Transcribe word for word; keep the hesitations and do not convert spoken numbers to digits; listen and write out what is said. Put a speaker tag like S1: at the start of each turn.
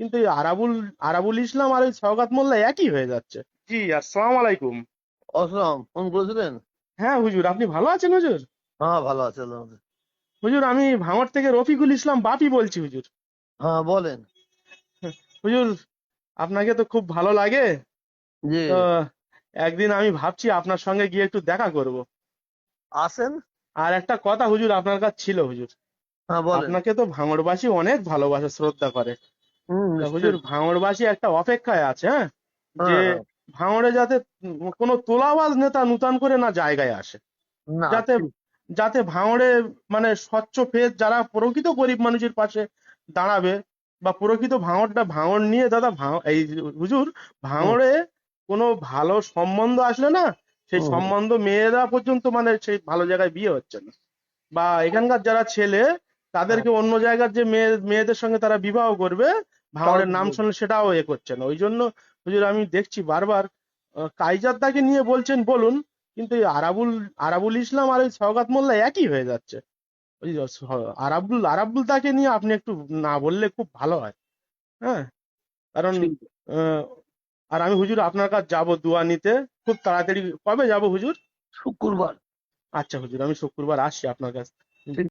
S1: কিন্তু এই আরাবুল আরাবুল ইসলাম আর ওই সওগাত মোল্লা একই হয়ে যাচ্ছে। জি, আসসালামু আলাইকুম।
S2: আসসালাম, ফোন করেছিলেন?
S1: হ্যাঁ হুজুর, আপনি ভালো আছেন হুজুর?
S2: হ্যাঁ, ভালো আছে আল্লাহর মধ্যে।
S1: হুজুর, আমি ভাঙড় থেকে রফিকুল ইসলাম বাপি বলছি হুজুর।
S2: হ্যাঁ, বলেন।
S1: হুজুর, আপনাকে তো খুব ভালো লাগে।
S2: জি।
S1: তো একদিন আমি ভাবছি আপনার সঙ্গে গিয়ে একটু দেখা করব।
S2: আসেন।
S1: আর একটা কথা হুজুর আপনার কাছে ছিল হুজুর।
S2: হ্যাঁ, বলেন।
S1: আপনাকে তো ভাঙড়বাসী অনেক ভালোবাসে, শ্রদ্ধা করে।
S2: হুম,
S1: তা হুজুর,
S2: নিশ্চয়ই।
S1: ভাঙড়বাসী একটা অপেক্ষায় আছে, হ্যাঁ, যে
S2: হ্যাঁ, হ্যাঁ।
S1: ভাঙড়ে যাতে উম কোনো তোলাবাজ নেতা নূতন করে না জায়গায় আসে,
S2: না,
S1: যাতে
S2: ঠিক।
S1: যাতে ভাঙড়ে মানে স্বচ্ছ ফেস যারা প্রকৃত গরিব মানুষের পাশে দাঁড়াবে, বা প্রকৃত ভাঙড়টা ভাঙড় নিয়ে দাদা ভাঙ এই হুজুর,
S2: হুম,
S1: ভাঙড়ে কোনো ভালো সম্বন্ধ আসলে না, সেই
S2: হুম, হুম,
S1: সম্বন্ধ মেয়েরা পর্যন্ত মানে সেই ভালো জায়গায় বিয়ে হচ্ছে না, বা এখানকার যারা ছেলে
S2: হ্যাঁ,
S1: তাদেরকে অন্য জায়গার যে মেয়ে মেয়েদের সঙ্গে তারা বিবাহ করবে,
S2: তাও
S1: ভাঙড়ের নাম
S2: বুঝবো।
S1: শুনলে সেটাও এ করছে না। ওই জন্য হুজুর আমি দেখছি বারবার আহ, কাইজারদাকে নিয়ে বলছেন বলুন, কিন্তু এই আরাবুল আরাবুল ইসলাম আর ওই সওগাত মোল্লা একই হয়ে যাচ্ছে। ওই যে স- আরাবুল আরাবুল তাকে নিয়ে আপনি একটু না বললে খুব ভালো হয়। হ্যাঁ, কারণ
S2: ঠিক।
S1: আহ, আর আমি হুজুর আপনার কাছে যাবো দোয়া নিতে খুব তাড়াতাড়ি। কবে যাব হুজুর?
S2: শুক্রবার।
S1: আচ্ছা হুজুর, আমি শুক্রবার আসছি আপনার কাছে।
S2: ঠিক।